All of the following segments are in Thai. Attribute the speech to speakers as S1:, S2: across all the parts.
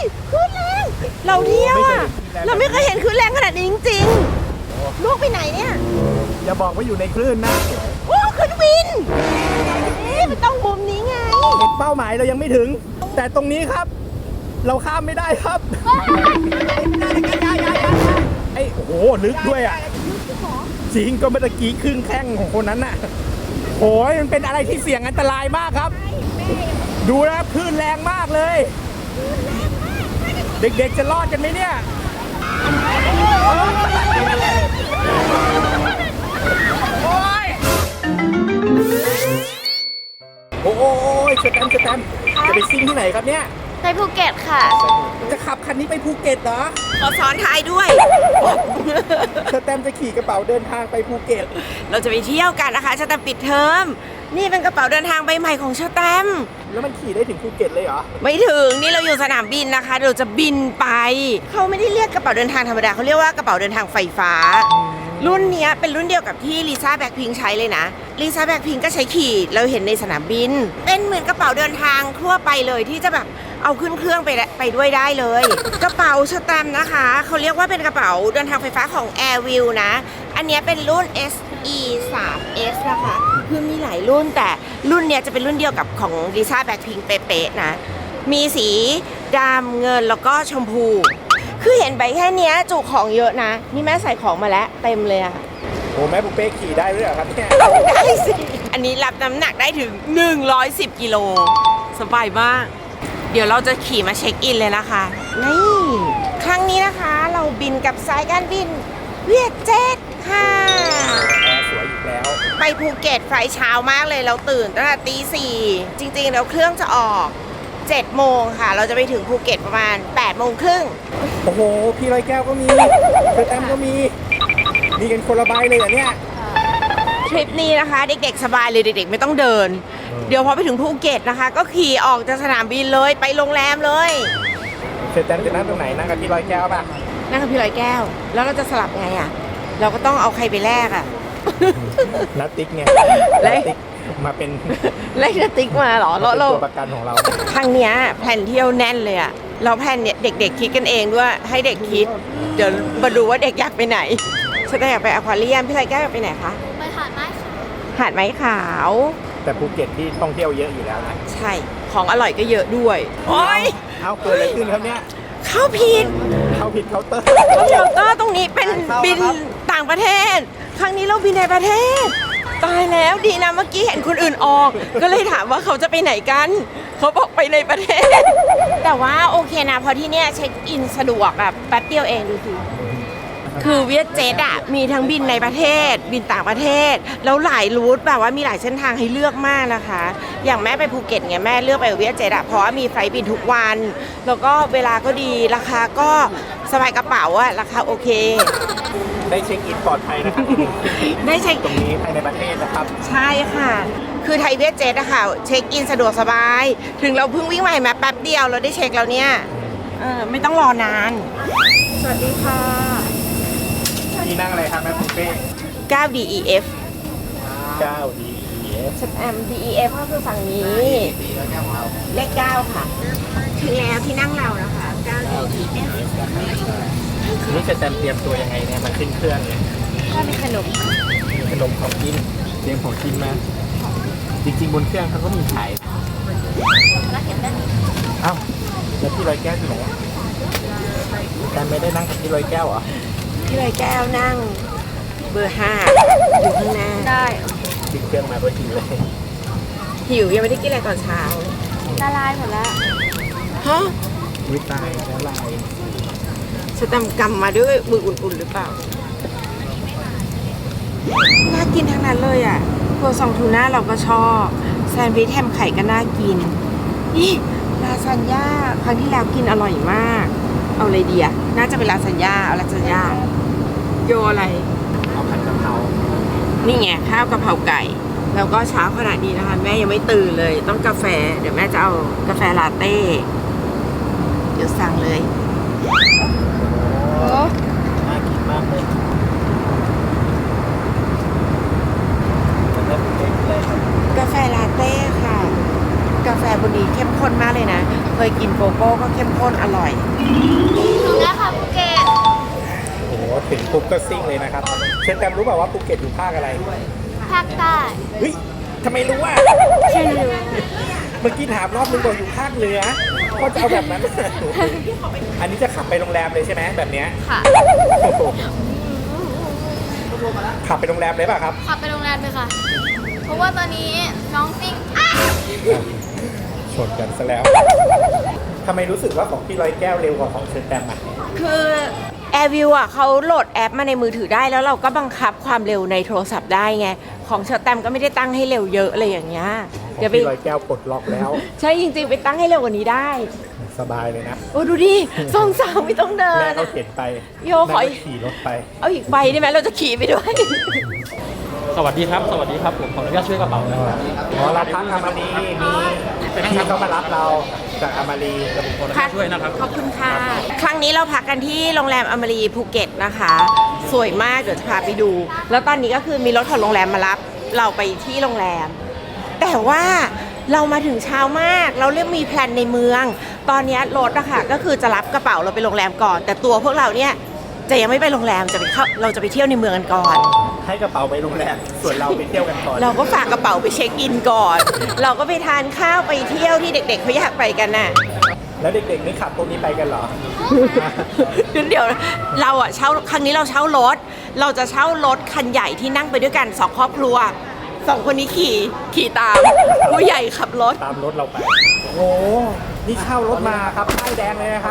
S1: คลื่นแรงเราเที่ยวอ่ะเราไม่เคยเห็นคลื่นแรงขนาดนี้จริงๆลูกไปไหนเนี่ย
S2: อย่าบอกว่าอยู่ในคลื่นนะ
S1: โอ้ขึ้นวินมันต้องมุมนี้ไง
S2: เป้าหมายเรายังไม่ถึงแต่ตรงนี้ครับ เราข้ามไม่ได้ครับไอ้โอ้โหลึกด้วยอ่ะจริงก็เมื่อกี้ครึ่งแข้งของคนนั้นน่ะโอ้ยมันเป็นอะไรที่เสี่ยงอันตรายมากครับดูนะคลื่นแรงมากเลยเด็กๆจะรอดกันไหมเนี่ยโอ้ยสแตมจะไปซิ่งที่ไหนครับเนี่ย
S3: ไปภูเก็ตค่ะ
S2: จะขับคันนี้ไปภูเก็ตเหรอ
S1: ขอซ้อนท้ายด้วย
S2: สแตมจะขี่กระเป๋าเดินทางไปภูเก็ต
S1: เราจะไปเที่ยวกันนะคะสแตมปิดเทอมนี่เป็นกระเป๋าเดินทางใบใหม่ของสแตม
S2: แล้วมันขี่ได้ถึงภูเก็ตเลยเหรอ
S1: ไม่ถึงนี่เราอยู่สนามบินนะคะเราจะบินไปเขาไม่ได้เรียกกระเป๋าเดินทางธรรมดาเขาเรียกว่ากระเป๋าเดินทางไฟฟ้ารุ่นนี้เป็นรุ่นเดียวกับที่ลิซ่าแบ็คพิงค์ใช้เลยนะลิซ่าแบ็คพิงค์ก็ใช้ขี่เราเห็นในสนามบินเป็นเหมือนกระเป๋าเดินทางทั่วไปเลยที่จะแบบเอาขึ้นเครื่องไปด้วยได้เลยกระเป๋าสแตมป์นะคะเขาเรียกว่าเป็นกระเป๋าเดินทางไฟฟ้าของ Airview นะอันนี้เป็นรุ่น SE 3S นะคะคือมีหลายรุ่นแต่รุ่นเนี้ยจะเป็นรุ่นเดียวกับของลิซ่าแบ็คพิงค์เป๊ะๆนะมีสีดำเงินแล้วก็ชมพูคือเห็นใบแค่นี้จุของเยอะนะนี่แม่ใส่ของมาแล้วเต็มเลยอะ
S2: โอ้แม่ปุ๊เป้ขี่ได้ด้วยเหรอครับเนี่ย
S1: ได้สิอันนี้รับน้ำหนักได้ถึง110กิโลสบายมากเดี๋ยวเราจะขี่มาเช็คอินเลยนะคะนี่ครั้งนี้นะคะเราบินกับสายการบินเวียดเจ็ตค่ะ
S2: สวยอีกแล้ว
S1: ไปภูเก็ตไฟเช้ามากเลยเราตื่นตั้งแต่ตี 4จริงๆแล้วเครื่องจะออก7 โมงค่ะเราจะไปถึงภูเก็ตประมาณ8 โมงครึ่ง
S2: โอ้โหพี่ร้อยแก้วก็มีเธอแต้มก็มีกันคนละใบเลยอ่ะเนี่ย
S1: ทริปนี้นะคะเด็กๆสบายเลยเด็กๆไม่ต้องเดินเดี๋ยวพอไปถึงภูเก็ตนะคะก็ขี่ออกจากสนามบินเลยไปโรงแรมเลย
S2: เธอแต้มจะนั่งตรงไหนนั่งกับพี่ร้อยแก้วป่ะ
S1: นั่งกับพี่ร้อยแก้วแล้วเราจะสลับไงอ่ะเราก็ต้องเอาใครไปแลกอ่ะ
S2: นัตติ๊กไง
S1: นัต
S2: ติ๊กมาเป็น
S1: นัตติ๊กมาเหรอ
S2: เราตัวประกันของเรา
S1: ครั้งนี้แผนเที่ยวแน่นเลยอ่ะเราแผนเนี่ยเด็กๆคิดกันเองด้วยให้เด็กคิดเดี๋ยวมาดูว่าเด็กอยากไปไหนฉันอยากไปอควาเรียมพี่ร้อยแก้วอยากไปไหนคะ
S3: ไปหาดไม้ขาว
S1: หาดไม้ขาว
S2: แต่ภูเก็ตที่ท่องเที่ยวเยอะอยู่แล้วนะ
S1: ใช่ของอร่อยก็เยอะด้วยโอ้ย
S2: เอาเกิดอะไรขึ้นครับเนี่ย
S1: เข้าผิด
S2: เคาน์เตอร์
S1: ตรงนี้เป็นบินต่างประเทศครั้งนี้เราบินในประเทศตายแล้วดีนะเมื่อกี้เห็นคนอื่นออกก็เลยถามว่าเขาจะไปไหนกันเขาบอกไปในประเทศแต่ว่าโอเคนะเพราะที่เนี่ยเช็คอินสะดวกแบบแป๊บเดียวเองดูสิคือเวียดเจ็ตอ่ะมีทั้งบินในประเทศบินต่างประเทศแล้วหลายรูทแบบว่ามีหลายเส้นทางให้เลือกมากนะคะอย่างแม่ไปภูเก็ตไงแม่เลือกไปเวียดเจ็ตอ่ะเพราะว่ามีไฟล์บินทุกวันแล้วก็เวลาก็ดีราคาก็สบายกระเป๋าอ่ะราคาโอเค
S2: ได้เช็คอินปลอดภัยนะครับ
S1: ได้เช็ค
S2: ตรงนี้ภายในประเทศนะครับ
S1: ใช่ค่ะคือไทยเวียดเจ็ตอะค่ะเช็คอินสะดวกสบายถึงเราเพิ่งวิ่งใหม่มาแป๊บเดียวเราได้เช็คแล้วเนี่ยไม่ต้องรอนานสวัสดีค่ะ
S2: ที่นั่งอะไรครับแม่ปุ๊เป้
S1: 9DEF
S2: 9DEF
S1: DEF ก็คือฝั่งนี้เลข9ค่ะถึงแล้วที่นั่งเรานะคะ 9DEF
S2: นี่จะเตรียมตัวยังไงเนี่ยมาขึ้นเครื่องเลย
S1: ก็มีขนม
S2: ของกินเตรียมของกินมาจริงๆบนเครื่องเขาก็มีขายเอ้าแล้วพี่ร้อยแก้วที่ไหนแต่ไม่ได้นั่งกับพี่ร้อยแก้วเหรอ
S1: พี่ร้อยแก้วนั่งเบอร์ 5อยู่ข้างหน้า
S3: ได้
S2: ขึ้นเครื่องมาก็หิวเลย
S1: หิวยังไม่ได้กินอะไรตอนเช้า
S3: ละลายหมดแล้ว
S1: ฮะ
S2: วิตายละลาย
S1: สแตมป์กำมาด้วยมืออุ่นๆหรือเปล่าน่ากินทั้งนั้นเลยอ่ะครัวซองทูน่าเราก็ชอบแซนด์วิชแฮมไข่ก็น่ากินนี่ลาซานญ่าครั้งที่แล้วกินอร่อยมากเอาเลยดีอ่ะน่าจะเป็นลาซานญ่าเอาลาซานญ่าโยอะไร
S2: เอาผัดกะเพรา
S1: นี่ไงข้าวกะเพราไก่แล้วก็เช้าขนาดนี้นะคะแม่ยังไม่ตื่นเลยต้องกาแฟเดี๋ยวแม่จะเอากาแฟลาเต้เดี๋ยวสั่งเลย
S2: น่ากินมากเลย
S1: กาแฟลาเต้ค่ะกาแฟบนนี้เข้มข้นมากเลยนะเคยยกินโกโก้ก็เข้มข้นอร่อย
S3: ถึงแล้วค่ะภูเก็ต
S2: โอ้โหถึงปุ๊บก็ซิ่งเลยนะครับเชนแตมรู้เปล่าว่าภูเก็ตอยู่ภาคอะไร
S3: ภาคใต้
S2: เฮ้ยทำไมรู้อ่ะ
S3: ฉันรู้
S2: เมื่อกี้ถามรอบนึงบอกอยู่ภาคเหนือก็จะเอาแบบนั้น อันนี้จะขับไปโรงแรมเลยใช่ไหมแบบเนี้ย
S3: ค่ะ
S2: โอ้โหขับไปโรงแรมเลยป่ะครับ
S3: ขับไปโรงแรมเลยค่ะ เพราะว่าตอนนี้น้องซิ่ง
S2: ชนกันซะแล้วทำไมรู้สึกว่าของพี่ร้อยแก้วเร็วกว่าของเชนแตมอ่ะ
S1: คือ AirView อ่ะเขาโหลดแอปมาในมือถือได้แล้วเราก็บังคับความเร็วในโทรศัพท์ได้ไง ของเชอร์แตมก็ไม่ได้ตั้งให้เร็วเยอะอะไรอย่างเงี้ย
S2: ของ
S1: เดี๋ยวไป
S2: พี่ร้อยแก้วปลดล็อกแล้ว
S1: ใช่จริงๆ ไปตั้งให้เร็วกว่านี้ได้
S2: สบายเลยนะ
S1: โอ้ดูดิสองสาวไม่ต้องเดิ
S2: แม่
S1: น
S2: ก็
S1: อะ
S2: เข็นไป
S1: โยขอ
S2: แม่ก็ขี่รถไป
S1: เอาอีกใบได้ไหมเราจะขี่ไปด้วย
S4: สวัสดีครับ สวัสดีครับ ผมขออนุญาตช่วยกระเป๋านะครับ
S2: อ๋อเราพักอามารีมีพี่เขามารับเราจากอามารี
S4: ขออนุญาตช่วยนะครับ
S1: ขอบคุณค่ะ ครั้งนี้เราพักกันที่โรงแรมอมรีภูเก็ตนะคะ สวยมากเดี๋ยวจะพาไปดู แล้วตอนนี้ก็คือมีรถของโรงแรมมารับเราไปที่โรงแรม แต่ว่าเรามาถึงเช้ามาก เราเรียกมีแพลนในเมือง ตอนนี้รถอะค่ะก็คือจะรับกระเป๋าเราไปโรงแรมก่อน แต่ตัวพวกเราเนี่ยจะยังไม่ไปโรงแรมเราจะไปเที่ยวในเมืองกันก่อน
S2: ให้กระเป๋าไปโรงแรมส่วนเราไปเที่ยวกันก่อน
S1: เราก็ฝากกระเป๋าไปเช็คอินก่อน เราก็ไปทานข้าวไปเที่ยวที่เด็กๆเขาอยากไปกันน่ะ
S2: แล้วเด็กๆนี่ขับพวกนี้ไปกันเหรอ
S1: เดี๋ยวเราอะเช่าครั้งนี้เราเช่ารถ เราจะเช่ารถคันใหญ่ที่นั่งไปด้วยกันสองครอบครัวสองคนนี้ขี่ตามผู้ใหญ่ขับรถ
S2: ตามรถเราไป โอ้โห นี่เช่ารถมาครับป้ายแดงเลยนะครับ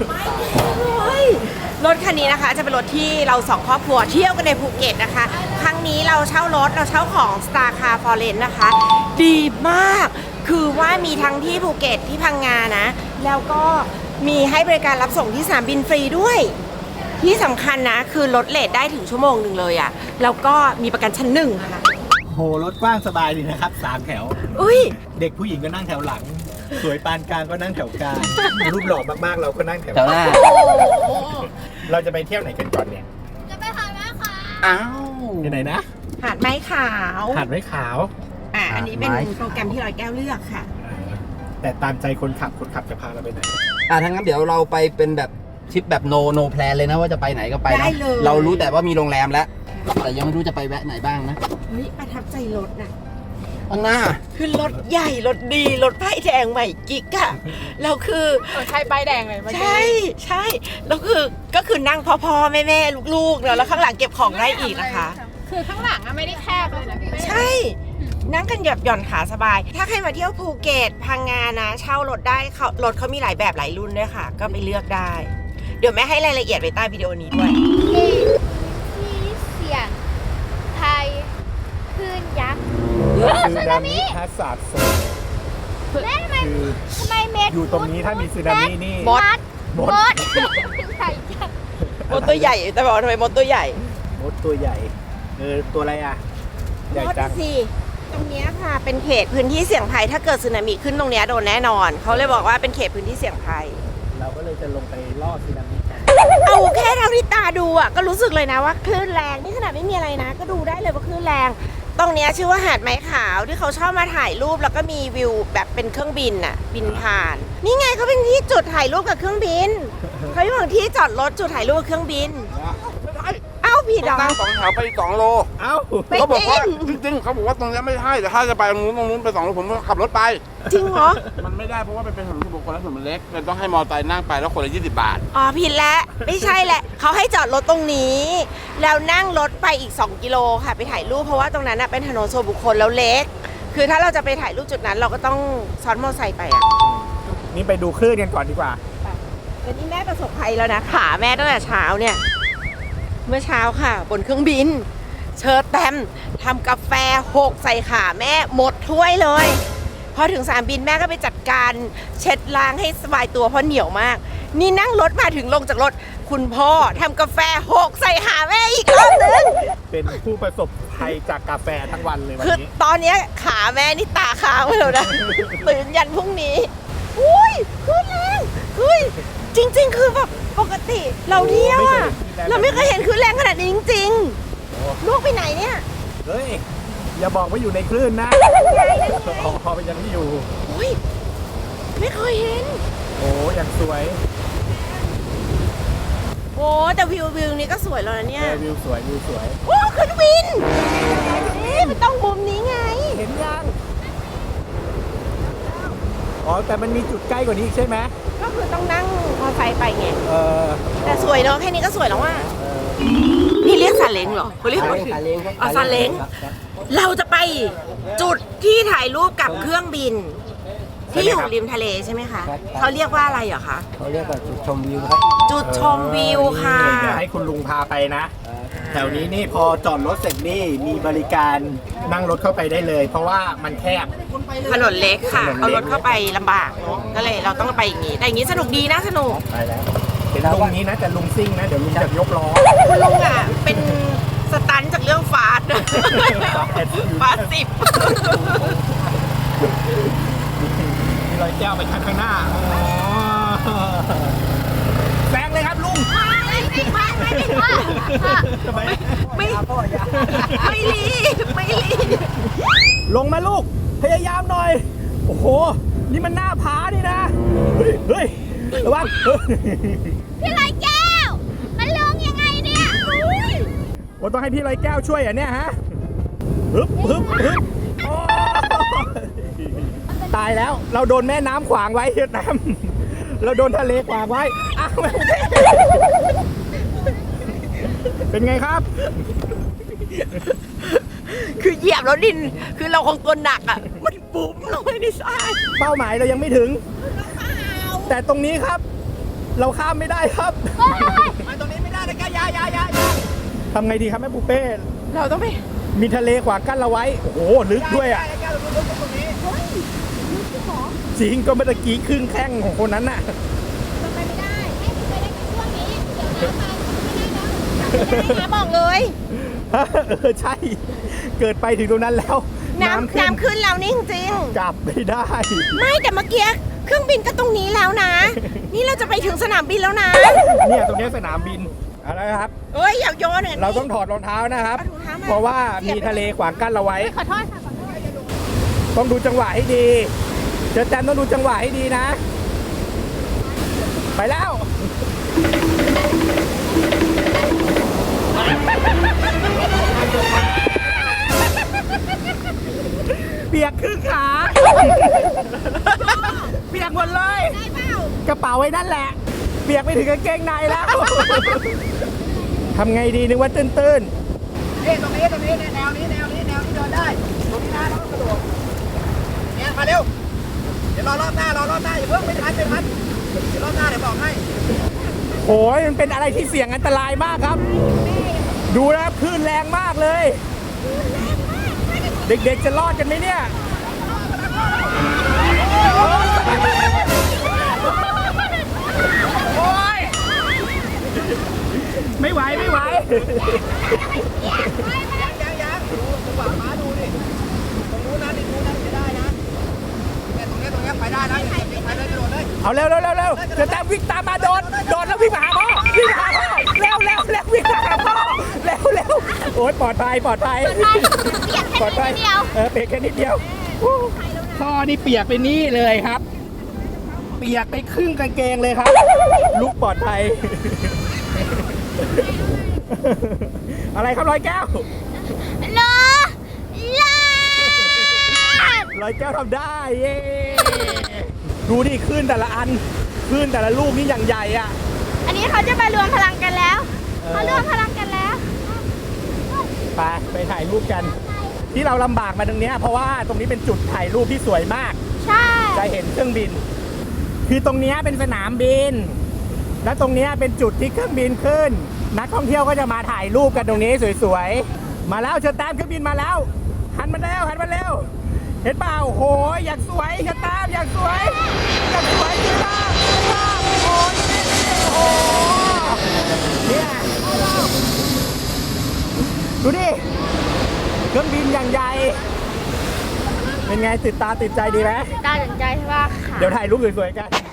S1: รถคันนี้นะคะจะเป็นรถที่เราสองครอบครัวเที่ยวกันในภูเก็ตนะคะ ครั้งนี้เราเช่ารถเราเช่าของ Star Car Foreign นะคะ ดีมาก คือว่ามีทั้งที่ภูเก็ตที่พังงานะ แล้วก็มีให้บริการรับส่งที่สนามบินฟรีด้วย ที่สำคัญนะคือลดเลทได้ถึงชั่วโมงหนึ่งเลยอะแล้วก็มีประกันชั้นหนึ่งค่ะ
S2: โห รถกว้างสบายดีนะครับ3แถว
S1: อุ้ย
S2: เด็กผู้หญิงก็นั่งแถวหลัง สวยปานกลางก็นั่งแถวกลาง รูปหล่อมากๆเราก็นั่งแถว
S4: แถวหน้า
S2: เราจะไปเที่ยวไหนกันก่อนเนี่ย
S3: จะไปหาแม่ค่ะ
S4: อ้าว
S2: ที่ไหนนะ
S1: หาดไม้ขาว
S2: หาดไม้ขาว
S1: อันนี้เป็น
S4: หาดไม้
S1: โปรแกรมที่ร้อยแก้วเลือกค่ะ
S2: แต่ตามใจคนขับจะพาเราไปไหน
S4: ทั้างนั้นเดี๋ยวเราไปเป็นแบบทริปแบบโนแพลนเลยนะว่าจะไปไหนก็ไป
S1: ได้
S4: นะ
S1: เลย
S4: เรารู้แต่ว่ามีโรงแรมแล้ว แต่ยังไม่รู้จะไปแวะไหนบ้างนะ
S1: เฮ้ยประทับใจรถนะ
S4: อันหน้า
S1: คือรถใหญ่ รถดี รถป้ายแดงใหม่กิ๊กอะเราคือ
S5: ใช่ป้ายแดงเลยเมื่อกี้
S1: ใช่แล้วคือก็คือนั่งพ่อแม่ลูกๆเนอะแล้วข้างหลังเก็บของได้อีกนะคะ
S5: คือข้างหลังอะไม่ได้แคบเลยนะพี่เป้
S1: ใช่ นั่งกันหย่อนขาสบาย ถ้าใครมาเที่ยวภูเก็ตพังงานะ เช่ารถได้รถเขามีหลายแบบหลายรุ่นด้วยค่ะ ก็ไปเลือกได้ เดี๋ยวแม่ให้รายละเอียดไว้ใต้วิดีโอนี้ด้วย
S3: ที่เสียงไทยคลื่นยักษ์
S2: ซึนามิฮัสซัดโซน
S3: แม่ทำไม
S2: คือ
S3: ทำไมเม็ด
S2: อยู่ตรงนี้ถ้ามีซึนามินี่
S1: มด
S2: มด
S3: มดใส่จัง
S1: มดตัวใหญ่แต่บอกว่าทำไมมดตัวใหญ่
S2: มดตัวใหญ่ ตัวอะไรอ่ะ ใหญ่จัง
S1: มดสิตรงเนี้ยค่ะ เป็นเขตพื้นที่เสี่ยงภัย ถ้าเกิดสึนามิขึ้นตรงเนี้ยโดนแน่นอน เขาเลยบอกว่าเป็นเขตพื้นที่เสี่ยงภัย
S2: เราก็เลยจะลงไปล่อซึนามิกัน
S1: เอาแค่เท่าที่ตาดูอ่ะก็รู้สึกเลยนะว่าคลื่นแรงนี่ขนาดไม่มีอะไรนะ ก็ดูได้เลยว่าคลื่นแรง ตรงเนี้ยชื่อว่าหาดไม้ขาวที่เขาชอบมาถ่ายรูปแล้วก็มีวิวแบบเป็นเครื่องบินอ่ะ บินผ่าน นี่ไงเขาเป็นที่จุดถ่ายรูปกับเครื่องบินเขาอยู่ที่จอดรถจุดถ่ายรูปกับเครื่องบินเอ้าผิดเหรอ
S6: นั่งสองแถวไป2 โล
S2: เอ้า
S1: ไม่
S6: เขาบอกว่า
S1: จริง
S6: จริงๆเขาบอกว่าตรงนี้ไม่ใช่แต่ถ้าจะไปตรงนู้นไป2 โลผมก็ขับรถไป
S1: จริงเหรอ
S6: มันไม่ได้เพราะว่ามันเป็นถนนส่วนบุคคลและถนนมันเล็กเลยต้องให้มอเตอร์ไซค์นั่งไปแล้วคนละ20 บาท
S1: อ๋อผิดแล้วไม่ใช่แหละเขาให้จอดรถตรงนี้ แล้วนั่งรถไปอีก 2 กิโลค่ะไปถ่ายรูปเพราะว่าตรงนั้นน่ะเป็นถนนส่วนบุคคลแล้วเล็ก คือถ้าเราจะไปถ่ายรูปจุดนั้น เราก็ต้องซ้อนมอเตอร์ไซค์ไปอ่ะ
S2: นี่ไปดูคลื่นกันก่อนดีกว่า
S1: แต่นี่แม่ประสบภัยแล้วนะขาแม่ตั้งแต่เช้าเนี่ย เมื่อเช้าค่ะ บนเครื่องบิน เชิญแตมทำกาแฟหกใส่ขาแม่หมดถ้วยเลย พอถึงสนามบินแม่ก็ไปจัดการเช็ดล้างให้สบายตัวเพราะเหนียวมาก นี่นั่งรถมาถึงลงจากรถ คุณพ่อทำกาแฟหกใส่หาแม่อีกรอบนึง
S2: เป็นผู้ประสบภัยจากกาแฟทั้งวันเลยวัน
S1: คือ
S2: นี้
S1: ตอนเนี้ยขาแม่นี่ตาค้างไปแล้วนะ ตื่นยันพรุ่งนี้ อุ้ยขึ้นแรงเฮ้ยจริง ๆ คือแบบปกติเราเที่ยวอะเราไม่เคยเห็นขึ้นแรงขนาดนี้จริงๆลูกไปไหนเนี่ย
S2: เฮ้ย อย่าบอกว่าอยู่ในคลื่นนะพอไปยังไม่อยู่
S1: อุ้ยไม่เคยเห็น
S2: โอ้ยังสวย
S1: โอ้แต่วิวนี้ก็สวยแล้วนะเนี่ย
S2: วิวสวยวิวสวย
S1: โอ้ขึ้นวินนี่มันต้องมุมนี้ไง
S2: เห็นยังอ๋อแต่มันมีจุดใกล้กว่านี้อีกใช่ไหม
S1: ก็คือต้องนั่งมอเตอร์ไซค์ไปไง
S2: เออ
S1: แต่สวยเนาะแค่นี้ก็สวยแล้วว่ะนี่เรียกซาเล้งเหรอเขาเรียกว่า
S4: ซาเล้งครับ
S1: อ๋อซาเล้ง เราจะไปจุดที่ถ่ายรูปกับเครื่องบิน ที่อยู่ริมทะเลใช่ไหมคะเขาเรียกว่าอะไรเหรอคะ
S4: เขาเรียกว่าจุดชมวิวครับ
S1: จุดชมวิวค่ะ
S2: เดี๋ยวให้คุณลุงพาไปนะ แถวนี้นี่พอจอดรถเสร็จนี่มีบริการนั่งรถเข้าไปได้เลย เพราะว่ามันแคบ
S1: ถนนเล็กค่ะ
S2: ถนนเล็ก
S1: เอารถเข้าไปลำบากเนอะก็เลยเราต้องไปอย่างนี้ แต่อย่างนี้สนุกดีนะสนุก
S2: ไปแล้วเห็นลุงนี้นะแต่ลุงซิ่งนะเดี๋ยวลุงจะยกล้อ
S1: คุณลุงอ่ะ เป็นสตันจากเรื่องฟาสต์ฟาสต์10
S2: มีรอยแก้วไปข้างหน้าอ๋อแซงเลยครับลุงทำไม
S1: ไม่รีบ
S2: ลงมาลูกพยายามหน่อย โอ้โห นี่มันหน้าผานี่นะ เฮ้ยระวัง
S3: พี่ลอยแก้ว มันลงยังไงเนี่ย
S2: ว่าต้องให้พี่ลอยแก้วช่วยอ่ะเนี่ยฮะฮึบฮึบฮึบโอ้ตายแล้วเราโดนแม่น้ำขวางไว้เวียดนามเราโดนทะเลขวางไว้อ้าวเป็นไงครับ
S1: คือเหยียบแล้วดิน คือเราคงตัวหนักอ่ะ มันบุ๋มลงไปในทราย
S2: เป้าหมายเรายังไม่ถึง แต่ตรงนี้ครับ เราข้ามไม่ได้ครับไปตรงนี้ไม่ได้นะแกยายทำไงดีครับแม่ปูเป้
S1: เราต้องไป
S2: มีทะเลขวางกั้นเราไว้ โอ้โห ลึกด้วยอ่ะจริงก็เมื่อกี้ครึ่งแข้งของคนนั้นน่ะ
S3: ไปไม่ได้ให้ไปได้แค่ช่วงนี้ เดี๋ยวน้ำมาไม่ได้แล้ว
S1: น้ำบอกเลย
S2: ใช่ เกิดไปถึงตรงนั้นแล้ว
S1: น้ำขึ้นแล้วนี่จริง
S2: กลับไม่ได้
S1: ๆไม่แต่เมื่อกี้เครื่องบินก็ตรงนี้แล้วนะ นี่เราจะไปถึงสนามบินแล้วนะ
S2: เนี่ยตรงนี้สนามบินอะไรครับ
S1: เอ้ยอย่าโยนเนี่ย
S2: เราต้องถอดรองเท้านะครับ
S1: เอาถุงเท้ามา
S2: เพราะว่ามีทะเลขวางกั้นเราไว้
S3: ขอโทษค่ะขอโทษ
S2: ต้องดูจังหวะให้ดี เจอแตมต้องดูจังหวะให้ดีนะ ไปแล้ว เปียกครึ่งขา เปียกหมดเลย
S3: ได้เปล่าก
S2: ระเป๋าไว้นั่นแหละ เปียกไปถึงกางเกงในแล้ว ทำไงดีนึกว่าตื้นๆนี่ตรงนี้แนวนี้เดินได้ ตรงนี้นะแล้วก็กระโดดเนี่ยมาเร็ว เดี๋ยวรอรอบหน้าอย่าเพิ่งไม่ทันเดี๋ยวรอบหน้าเดี๋ยวบอกให้โอ้ยมันเป็นอะไรที่เสี่ยงอันตรายมากครับ ดูนะคลื่นแรงมากเลย เด็กๆจะรอดกันไหมเนี่ยโอ้ยไม่ไหวยังดูจังหวะม้าดูดิตรงนู้นจะได้นะเนี่ยตรงนี้ไปได้นะไปเลยโดดเลยเอาเร็วจะแต้มวิ่งตามมาโดดแล้ววิ่งมาหาพ่อเร็ววิ่งมาหาพ่อเร็วโอ๊ยปลอดภัยปลอดภัยเปียกแค่นิดเดียวพ่อนี่เปียกไปนี่เลยครับ เปียกไปครึ่งกางเกงเลยครับลูกปลอดภัย อะไรครับร้อยแก้ว
S3: รอลา
S2: ร้อยแก้วทำได้เย้ดูดิคลื่นแต่ละอันคลื่นแต่ละลูกนี่อย่างใหญ่อ่ะ
S3: อันนี้เขาจะมารวมพลังกันแล้วเขารวมพลังกันแล้ว
S2: ไปถ่ายรูปกัน ที่เราลำบากมาตรงเนี้ยเพราะว่าตรงนี้เป็นจุดถ่ายรูปที่สวยมาก
S3: ใช่
S2: จะเห็นเครื่องบิน คือตรงเนี้ยเป็นสนามบิน และตรงเนี้ยเป็นจุดที่เครื่องบินขึ้น นักท่องเที่ยวก็จะมาถ่ายรูปกันตรงนี้สวยๆ มาแล้วเชิญตามเครื่องบินมาแล้ว หันมาเร็ว เห็นเปล่าโหยอยากสวยเชิญตามอยากสวยสวยมากโอ้ยโอ้เนี่ยดูดิ เครื่องบินอย่างใหญ่ เป็นไงติดตาติดใจดีไหม
S3: ตาสนใจว่าค่ะ
S2: เดี๋ยวถ่ายรูปสวยๆกัน